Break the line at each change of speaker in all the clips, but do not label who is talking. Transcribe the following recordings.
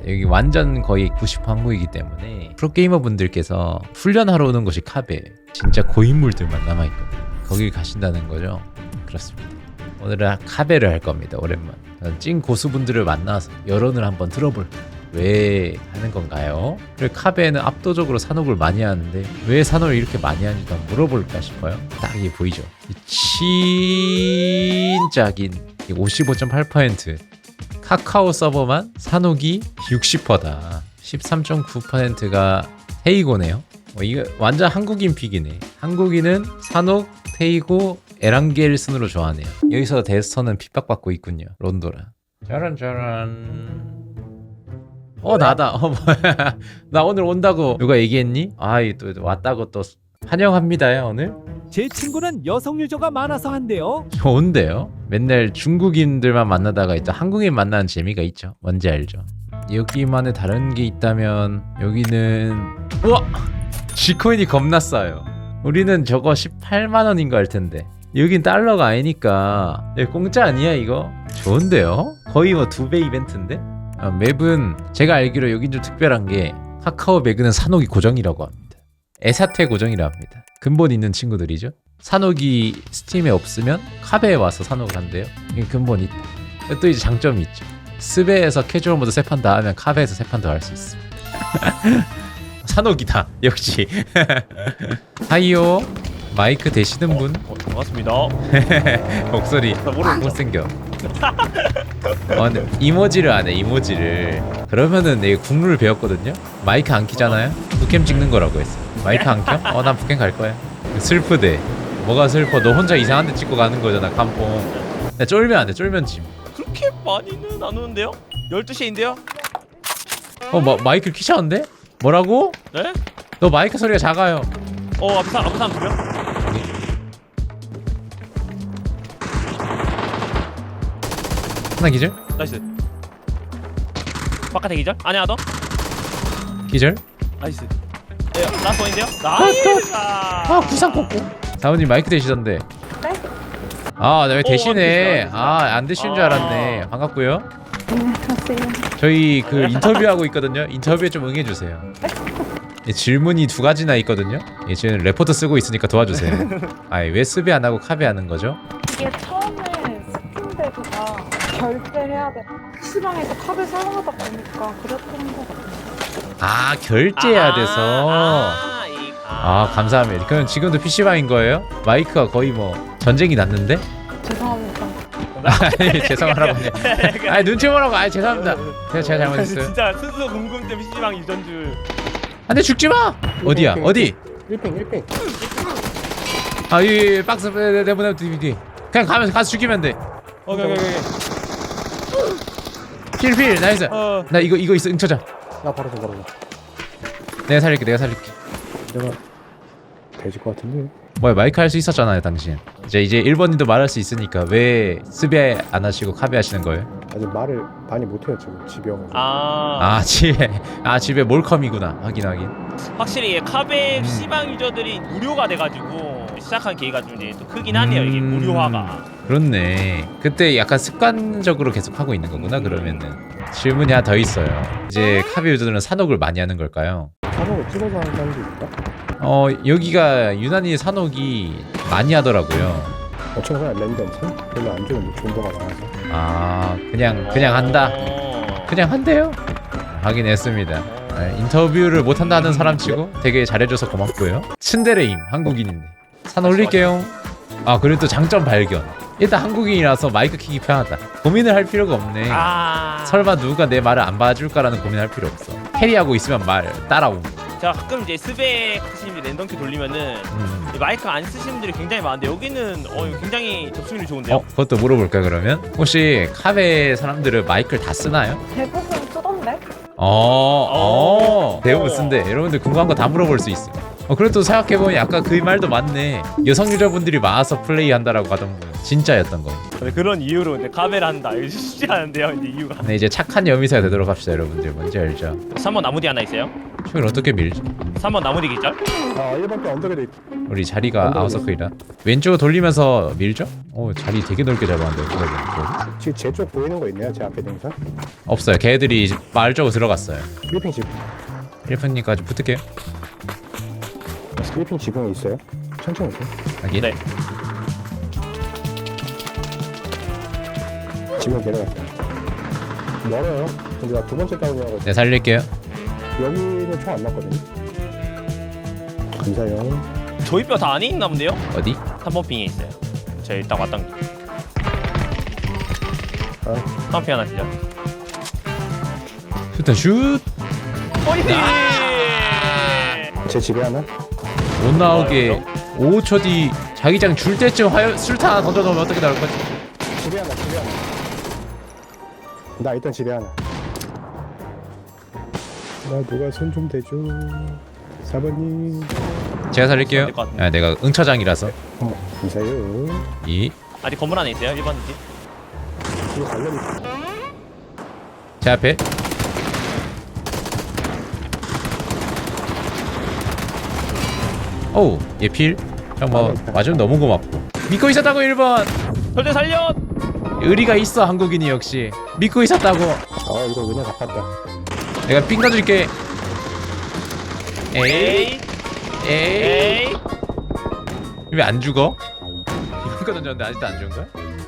여기 완전 거의 90% 한국이기 때문에 프로게이머 분들께서 훈련하러 오는 곳이 카베. 진짜 고인물들만 남아있거든요. 거길 가신다는 거죠. 그렇습니다. 오늘은 카베를 할 겁니다. 오랜만 찐 고수분들을 만나서 여론을 한번 들어볼게요. 왜 하는 건가요? 그리고 카베는 압도적으로 산옥을 많이 하는데 왜 산옥을 이렇게 많이 하는지 한번 물어볼까 싶어요. 딱 이게 보이죠? 진짜긴 55.8% 카카오 서버만 산옥이 60%다. 13.9%가 테이고네요. 이거 완전 한국인 픽이네. 한국인은 산옥, 테이고, 에란겔 순으로 좋아하네요. 여기서 데스터는 핍박받고 있군요. 론도라. 짜란짜란. 나다. 뭐야. 나 오늘 온다고 누가 얘기했니? 또 왔다고 또 환영합니다요 오늘.
제 친구는 여성 유저가 많아서 한대요.
좋은데요? 맨날 중국인들만 만나다가 또 한국인 만나는 재미가 있죠. 뭔지 알죠? 여기만의 다른 게 있다면 여기는 우와! G코인이 겁나 싸요. 우리는 저거 18만 원인 거 할 텐데 여긴 달러가 아니니까 공짜 아니야 이거? 좋은데요? 거의 뭐 2배 이벤트인데? 맵은 제가 알기로 여긴 좀 특별한 게 카카오 매그는 산옥이 고정이라고 합니다. 에사테 고정이라 합니다. 근본 있는 친구들이죠. 산옥이 스팀에 없으면 카베에 와서 산옥을 한대요. 이게 근본 있다. 또 이제 장점이 있죠. 스베에서 캐주얼 모드 3판 다 하면 카베에서 3판 더 할 수 있습니다. 산옥이다 역시. 하이요 마이크 되시는 분?
반갑습니다.
목소리 못생겨. 근데 이모지를 안 해. 이모지를. 그러면은 내가 국룰을 배웠거든요. 마이크 안 키잖아요. 북캠 찍는 거라고 했어. 마이크 안 켜? 난 북캠 갈 거야. 슬프대. 뭐가 슬퍼? 너 혼자 이상한 데 찍고 가는 거잖아. 깜뽕. 나 쫄면 안 돼. 쫄면 짐.
그렇게 많이는 안 오는데요? 12시인데요?
마이크를 키셨는데? 뭐라고?
네?
너 마이크 소리가 작아요.
앞에 사람 두 명?
하나 기절?
나이스. 바깥에 기절? 안에 하나 더?
기절?
나이스. 라스트 원인데요? 나이스!
구상 꽂고. 사모님 마이크 되시던데.
네?
왜 되시네.
되시네.
안 되시는 줄 알았네. 반갑고요.
안녕하세요.
저희 그 인터뷰하고 있거든요. 인터뷰에 좀 응해주세요. 질문이 2가지나 있거든요. 지금 레포트 쓰고 있으니까 도와주세요. 왜 수비 안 하고 카베 하는 거죠?
이게 처음에 스팀데드가 결제해야 돼. PC방에서 카드 사용하다 보니까 그랬던 것 같아요.
결제해야 돼서. 감사합니다. 그럼 지금도 PC방인 거예요? 마이크가 거의 뭐 전쟁이 났는데?
죄송합니다.
죄송하라고. 눈치 보라고. 죄송합니다. 제가 잘못했어요.
진짜 스스로 궁금증 PC방 유전 줄.
안돼 죽지 마. 어디야? 어디?
1팽
이 박스 내보내 DVD. 그냥 가서 죽이면 돼.
오케이.
필 나이스. 나 이거 있어. 응쳐자.
야 바로 줘
내가 살릴게.
내가 돼질 것 같은데.
뭐야 마이크 할 수 있었잖아요 당신. 이제 1번님도 말할 수 있으니까 왜 스베 안 하시고 카베 하시는 거예요?
아직 말을 많이 못해요 지금 집에 와서.
집에 몰컴이구나. 확인.
확실히 카베 PC방 유저들이 무료가 돼가지고 시작한 계기가 좀 이제 또 크긴 하네요. 이게 무료화가.
그렇네. 그때 약간 습관적으로 계속 하고 있는 거구나. 그러면은 질문이 하나 더 있어요. 이제 카베 유저들은 산옥을 많이 하는 걸까요?
산옥을 찍어서 하는 사람도 있다?
여기가 유난히 산옥이 많이 하더라고요.
어차피 그냥 랜덤 별로 안 좋은데 존버가 많아서.
그냥 한다. 그냥 한대요. 확인했습니다. 인터뷰를 못한다는 사람 치고 되게 잘해줘서 고맙고요. 츤데레임 한국인인데 산 올릴게요. 그리고 또 장점 발견. 일단 한국인이라서 마이크 키기 편하다. 고민을 할 필요가 없네. 설마 누가 내 말을 안 봐줄까라는 고민할 필요 없어. 캐리하고 있으면 말 따라옴.
제가 가끔 이제 스백 하시는 분들 랜덤키 돌리면은 마이크 안 쓰시는 분들이 굉장히 많은데 여기는 굉장히 접속률이 좋은데요?
그것도 물어볼까 그러면? 혹시 카베 사람들은 마이크를 다 쓰나요?
대부분 쓰던데?
대부분 쓴대. 여러분들 궁금한 거 다 물어볼 수 있어요. 그래도 생각해보면 아까 그 말도 맞네. 여성 유저분들이 많아서 플레이한다라고 하던 분. 진짜였던 거.
근데 그런 이유로 근데 카베를 한다. 이거 쉽지 않은데요. 이제 이유가.
근데 이제 착한 여미사가 되도록 합시다, 여러분들. 뭔지 알죠?
3번 나무뒤 하나 있어요.
총을 어떻게 밀지?
3번 나무뒤 기절.
아 1번 또 언덕에 있
우리 자리가 아웃서클이라 왼쪽으로 돌리면서 밀죠? 오, 자리 되게 넓게 잡았는데. 그거
지금 제 쪽 보이는 거 있네요 제 앞에 등산
없어요. 걔들이 마을 쪽으로 들어갔어요.
필리핀 집
1분님까지 붙을게요.
필리핀 지붕에 있어요 천천히 오세요
확인.
네.
지붕 내려갔어요 멀어요 근데 나 두 번째 다운이라고
네, 살릴게요.
여기는 총 안 났거든요 감사해요
저희 뼈 다 안에 있나 본데요?
어디?
3번 핑에 있어요. 저희 딱 왔던 게.
아.
3번 핑 하나 기절.
슈터 슛!
포인트!
제 집에 하나
못 나오게 5초 뒤 자기장 줄 때쯤 술탄 하나 던져놓으면 어떻게 나올 거지?
집에 하나 나 있던 집에 하나 나 누가 손 좀 대줘 4번님
제가 살릴게요.
될것 같은데.
아, 내가 응처장이라서.
감사해요
이.
아직 건물 안에 있어요. 1번 집.
이거 관련이
제 앞에. 어우, 얘 필. 형 뭐 맞으면 너무 고맙고. 믿고 있었다고 1번.
절대 살려!
의리가 있어 한국인이 역시. 믿고 있었다고.
이거 은혜 갚았다
내가 삥 가줄게. 에이.
에이.
에이.
에이.
왜 안 죽어? 이런 거 던졌는데 아직도 안 죽은 거야?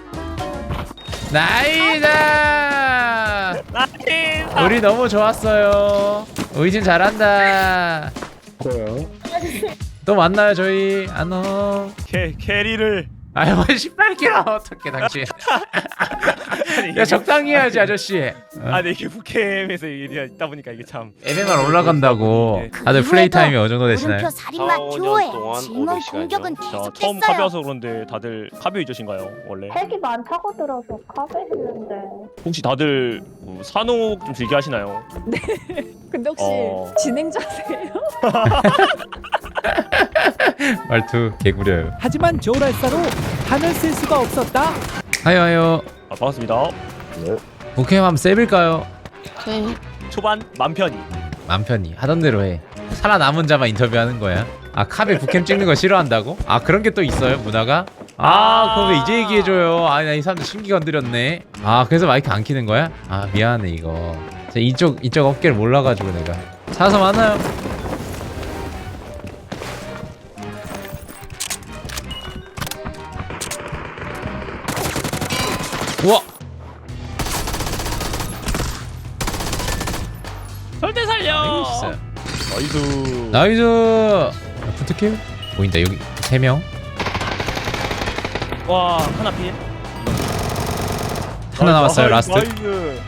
나이다!
나이스!
우리 너무 좋았어요. 의진 잘한다.
뭐요?
또 만나요 저희. 안녕.
캐리를.
아유 18kg 어떻게 당신? 야 적당히 해야지 아저씨.
근데 이게 북캠에서 일이 있다 보니까 이게 참.
MMR 올라간다고. 다들 플레이 타임이 어느 정도 되시나요?
물음표 살인마
4-5년
듀오의
동안
질문
500시간이죠.
공격은
자, 처음
계속됐어요.
카베여서 그런데 다들 카베 유저신가요? 원래?
핵이 많다고 들어서 카페 했는데.
혹시 다들 산옥 좀 즐겨 하시나요?
근데 혹시
어.
진행자세요?
말투 개구려요.
하지만 저울알사로 단을 쓸 수가 없었다.
하요.
반갑습니다.
북캠 한번 세빌까요?
초반 맘 편히.
맘 편히 하던 대로 해. 살아남은 자만 인터뷰하는 거야. 아 카베 북캠 찍는 거 싫어한다고? 아 그런 게 또 있어요 문화가? 아 그거 왜 이제 얘기해줘요. 아 나 이 사람들 심기 건드렸네. 아 그래서 마이크 안 키는 거야? 아 미안해 이거. 제가 이쪽 어깨를 몰라가지고 내가. 사서 만나요. 우와.
절대 살려.
나이스.
나이스.
나이스. 붙을게요. 보인다 여기 3명.
와 하나 필.
하나 남았어요 라스트.
나이스.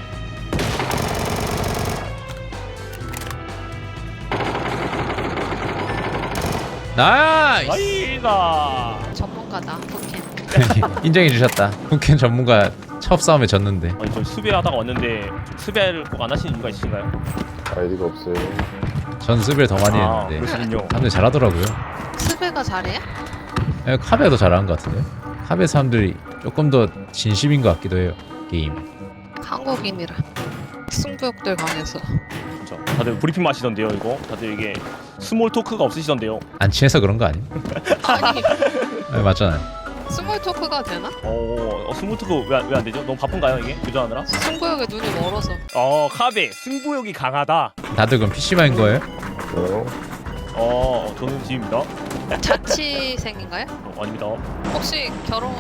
나이스.
나이다.
전문가다. 오케이.
인정해 주셨다. 북캠 전문가 첫 싸움에 졌는데.
아니 저 수배하다가 왔는데 수배를 꼭 안 하시는 이유가 있으신가요?
아이디가 없어요.
전 스벨 더 많이
아
했는데
그러시군요.
사람들이 잘하더라고요.
스베가 잘해요?
예, 카베도 잘하는 것 같은데. 카베 사람들이 조금 더 진심인 것 같기도 해요. 게임.
한국인이라 승부욕들 강해서.
진짜. 다들 브리핑 마시던데요 이거. 다들 이게 스몰 토크가 없으시던데요.
안 친해서 그런 거 아니야?
아니
네, 맞잖아요.
스몰 토크가 되나?
스몰 토크 왜 안 되죠? 너무 바쁜가요 이게 교전하느라?
승부욕에 눈이 멀어서.
카베 승부욕이 강하다.
다들 그럼 PC방인 거예요?
저는 지입니다.
자취생인가요?
아닙니다.
혹시 결혼?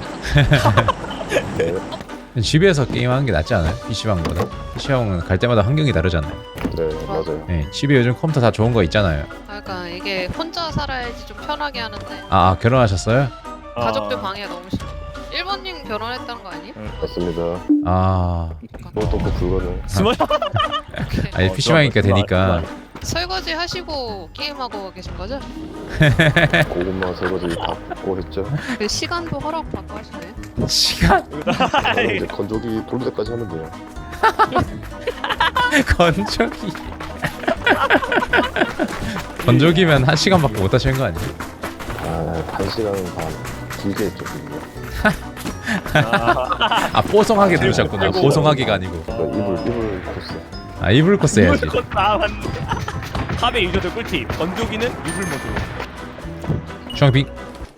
집에서 게임하는 게 낫지 않아요? PC방보다? PC방은 갈 때마다 환경이 다르잖아요.
네, 맞아요.
네, 집에 요즘 컴퓨터 다 좋은 거 있잖아요.
그러니까 이게 혼자 살아야지 좀 편하게 하는데
아 결혼하셨어요?
가족들 방해가 너무 싫어. 1번님 결혼했다는 거 아니에요?
맞습니다.
아
또그 불가능.
스몰
오케이.
아니 PC방이니까 되니까.
설거지 하시고 게임하고 계신 거죠?
고구마 설거지 다 받고 했죠.
그 시간도 허락 받고 하시네요.
시간
저는 이제 건조기 돌 때까지 하면 돼요.
건조기. 건조기면 1시간밖에 못 하시는 거 아니에요?
아, 1시간은 반 길게 했죠, 길게.
아 뽀송하게 누르셨구나. 보송하게가 아니고.
이불 코스.
아 이불 코스 해야지.
이불 컷 맞네. 탑의 유저들 꿀팁. 건조기는 이불 모드.
중앙빙.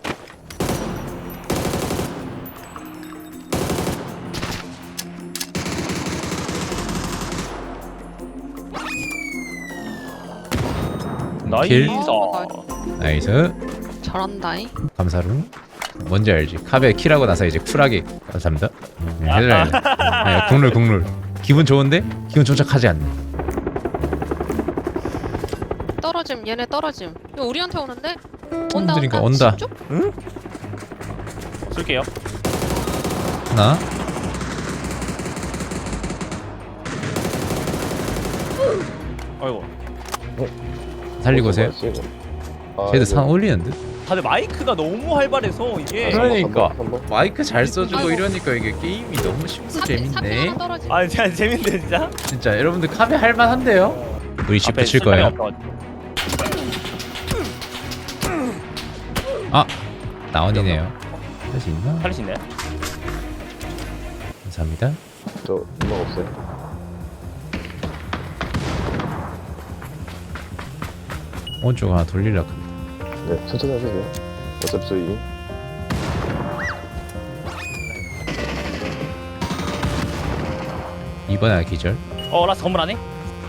킬. 나이스.
잘한다잉.
감사루. 뭔지 알지? 카베 킬하고 나서 이제 쿨하게 감사합니다. 해줘야 돼. 국룰. 기분 좋은데? 기분 조작하지 않네.
떨어짐. 얘네 떨어짐. 이거 우리한테 오는데? 온다
그러니까
온다.
온다.
쭉?
쏠게요.
하나.
아이고.
살리고 오세요. 쟤도 산 올리는 듯?
다들 마이크가 너무 활발해서 이게.
그러니까.
한번
마이크 잘 써주고
아이고.
이러니까 이게 게임이 너무 쉽고
삼
재밌네.
하나 떨어짐.
아 진짜 재밌네 진짜.
진짜 여러분들 카베 할만한데요? 우리 집
앞에
붙일
술자리
거예요.
없어가지고.
아 나원이네요. 할 수 있나?
살릴 수 있나요?
감사합니다.
저 음악 없어요?
오른쪽 하나 돌리려고.
네, 천천히 하세요. 어차피 저희
2번 하나 기절.
라스 건물 안에?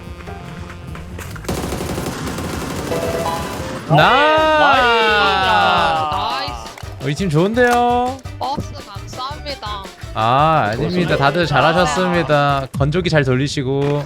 나이스.
우리 팀 좋은데요?
버스 감사합니다.
아 아닙니다. 다들 잘하셨습니다. 건조기 잘 돌리시고.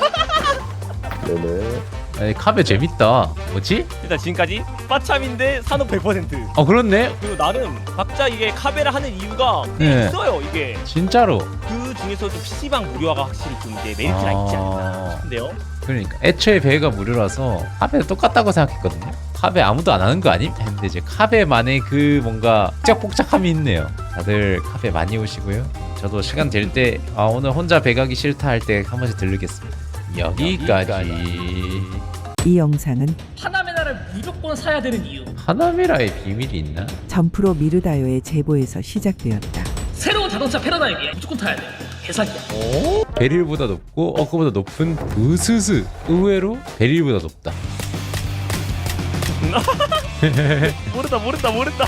네네.
아니, 카베 재밌다. 뭐지?
일단 지금까지 빠참인데 산업 100%.
그렇네.
그리고 나름 각자 이게 카베를 하는 이유가
네.
있어요 이게.
진짜로.
그 중에서도 PC방 무료화가 확실히 좀 이제 메리트가 있지 않나 싶은데요.
그러니까 애초에 배가 무료라서 카베도 똑같다고 생각했거든요. 카베 아무도 안 하는 거 아님? 했는데 이제 카베만의 그 뭔가 복작복작함이 있네요. 다들 카베 많이 오시고요. 저도 시간 될 때 오늘 혼자 배 가기 싫다 할 때 한 번씩 들르겠습니다. 여기까지.
이 영상은
하나메나를 무조건 사야 되는 이유.
하나미라의 비밀이 있나?
점프로 미르다요의 제보에서 시작되었다.
새로운 자동차 패러다임이야. 무조건 타야 돼. 개사기야.
베릴보다 높고 그보다 높은 우스스. 의외로 베릴보다 높다.
모른다.